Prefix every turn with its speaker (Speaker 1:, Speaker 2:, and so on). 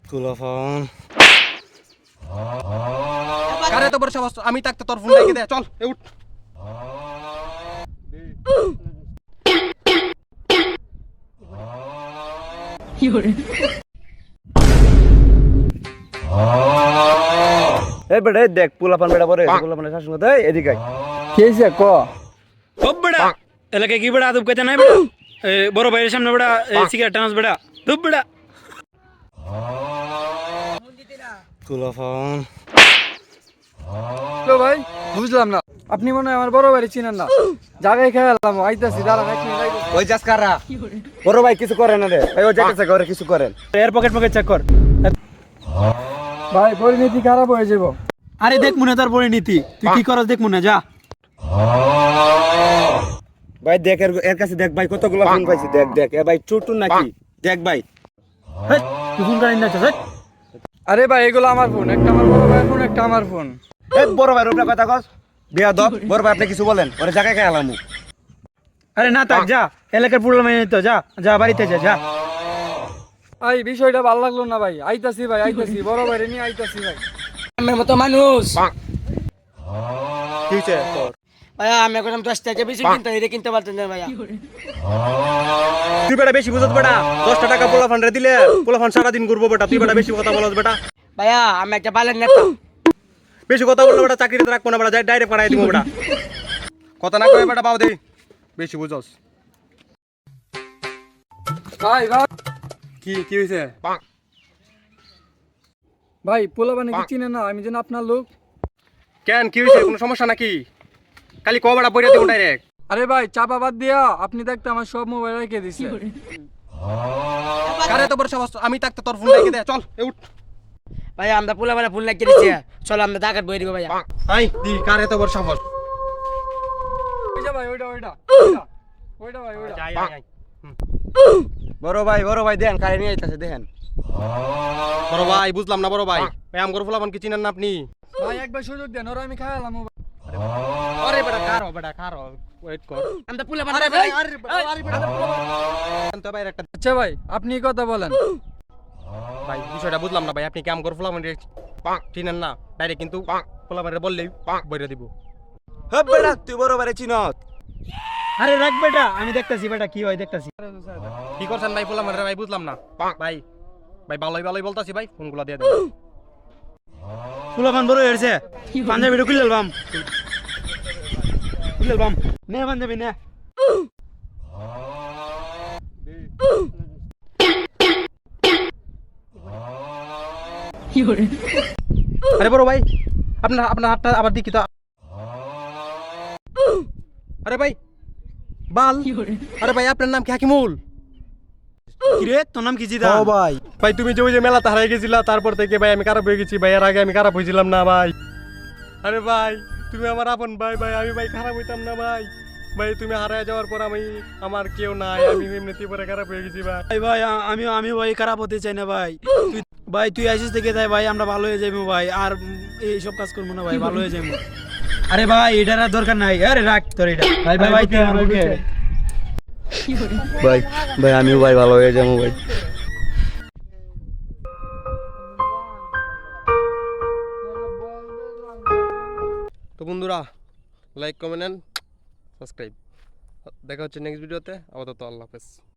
Speaker 1: কুলাফান কারে তো বড় সাহস আমি থাকতে তোর ফোন রেখে দে চল এ উঠ
Speaker 2: এই বেটা এই দেখ পোলাপান বেটা পরে পোলাপানের শাসন দে এদিকে আয়।
Speaker 3: কি হয়েছে ক
Speaker 4: খুব বেড়া এলাকায় কি বেড়া আদব কইতে নাই বেড়া বড় ভাইয়ের সামনে বেড়া সিগারেট টানাস বেড়া খুব বেড়া
Speaker 1: কুলাফান
Speaker 3: তো ভাই বুঝলাম না আপনি মনে হয় আমার বড় ভাই চিনেন না জায়গায় খেয়ালাম আইতাছি দাঁড়ান এক মিনিট আইতাছি।
Speaker 2: ওই যাস কারা বড় ভাই কিছু করেন না রে ভাই ও যাইতেছে ঘরে কিছু করেন
Speaker 4: এর পকেট চেক কর
Speaker 3: ভাই পরিণতি খারাপ হয়ে যাব
Speaker 4: আরে দেখ মনে তার পরিণীতি তুই কি করস দেখ মনে যা
Speaker 2: ভাই দেখ এর কাছে দেখ ভাই কতগুলো ফোন পাইছি দেখ দেখ এ ভাই চুটুন নাকি দেখ ভাই
Speaker 4: হেই, তুই ফোন করিস না চল
Speaker 3: আরে ভাই এগুলো আমার ফোন একটা আমার বড় ভাইয়ের ফোন একটা আমার ফোন
Speaker 2: এই বড় ভাই রূপনা কথা কস বিয়া দব বড় ভাই আপনি কিছু বলেন ওরে জায়গায় খেয়ালাম
Speaker 4: আরে না থাক যা এলাকার পুরো মেয়ে তো যা যা বাড়িতে যা যা
Speaker 3: ভাই বিষয়টা ভালো লাগলো না ভাই আইতাছি ভাই আইতাছি বড় ভাই নিয়ে আইতাছি ভাই
Speaker 5: আমার মতো মানুষ
Speaker 2: কি হইছে তোর
Speaker 5: ভাইয়া আমি এখন 10 টাকা বেশি কিনতে এটা কিনতে পারতেন না ভাইয়া
Speaker 1: তুই বেটা বেশি বুঝত বেটা 10 টাকা পোলাফান রে দিলে পোলাফান সারা দিন ঘুরবো বেটা তুই বেটা বেশি কথা বলস বেটা
Speaker 5: ভাইয়া আমি একটা বালের নেতা
Speaker 1: বেশি কথা বললে বেটা চাকরিতে রাখবো না বেটা যাই ডাইরেক্ট পাঠাই দিব বেটা কথা না কই বেটা পাও দে বেশি বুঝস
Speaker 3: ভাই ভাই
Speaker 1: কি কি হইছে
Speaker 3: ভাই পোলাবানে কি চিনেন না আমি যেন আপনার লোক
Speaker 1: কেন কি হইছে কোনো সমস্যা নাকি খালি কো বেটা বইরা দিব ডাইরেক্ট
Speaker 3: আরে ভাই চাপা বাদ দিয়া আপনি দেখতে আমার সব মোবাইল রেখে দিছে
Speaker 1: কারে তো বড় সাহস আমি থাকতে তোর ফোন রেখে দে চল এ উঠ
Speaker 5: ভাইয়া আমরা পোলাপানা ফুল লাগিয়ে দিচ্ছি চলো আমরা ডাকাত বই দিব ভাইয়া
Speaker 1: আই দি কারে তো বড় সাহস
Speaker 3: ওইটা ভাই ওইটা ওইটা ওইটা ভাই ওইটা
Speaker 1: আই আই
Speaker 2: বড় ভাই দেন কারে নিয়ে আইতাছে দেখেন
Speaker 1: বড় ভাই বুঝলাম না বড় ভাই ভাই আমগর ফুলাবান কি চিনেন না আপনি
Speaker 3: ভাই একবার সুযোগ দেন ওরা আমি খাওয়ালাম
Speaker 1: আরে বেটা খারো ওয়েট কর
Speaker 5: আমরা পোলাপানা
Speaker 1: আরে ভাই আরে বেটা তো ভাই একটা
Speaker 3: আচ্ছা ভাই আপনি কথা বলেন
Speaker 1: ভাই বিষয়টা বুঝলাম না ভাই আপনি কি আমগর ফুলাবান চিনেন না ডাইরেক্ট কিন্তু ফুলাবান রে বললেই বইরা দিব
Speaker 2: হ্যাঁ বেটা তুই বড় ভাই চিনত
Speaker 4: আরে রাখ বেটা আমি দেখতাছি বেটা কি হয় দেখতাছি
Speaker 1: কি করছেন ভাই ফুলাবান রে ভাই বুঝলাম না ভাই ভাই ভালোই বলতাছি ভাই ফোনগুলো দিয়ে দেন
Speaker 4: ফুলাপান বড় হয়েছে পাঞ্জাবিটা খুলে লবাম নে পাঞ্জাবি নে
Speaker 1: আরে বড় ভাই আপনার হাতটা আবার দেখি তো আরে ভাই বাল আরে ভাই আপনার নাম কি হাকিমুল
Speaker 4: কি রে তোর নাম কি জিদা
Speaker 2: ভাই
Speaker 1: ভাই তুমি যে ওই যে মেলাতে হারাই গেছিলা তারপর থেকে ভাই আমি খারাপ হয়ে গেছি ভাই এর আগে আমি খারাপ হয়েছিলাম না ভাই আরে ভাই তুমি আমার আপন ভাই ভাই আমি ভাই খারাপ হইতাম না ভাই ভাই তুমি হারায় যাওয়ার পর আমার কেউ নাই আমি এমনিতে পরে খারাপ হয়ে গেছি ভাই
Speaker 4: ভাই ভাই আমি ভাই খারাপ হতে চাই না ভাই তুই আসিস থেকে যাই ভাই আমরা ভালো হয়ে যাবো ভাই আর এইসব কাজ করবো না ভাই ভালো হয়ে যাবো আরে ভাই এটার আর দরকার নাই আরে রাখ তোর এটা ভাই ভাই তুই আমার বুকে
Speaker 2: ভাই আমিও ভাই ভালো হয়ে যাবো ভাই
Speaker 1: তো বন্ধুরা লাইক কমেন্ট এন্ড সাবস্ক্রাইব দেখা হচ্ছে নেক্সট ভিডিওতে আপাতত আল্লাহ হাফেজ।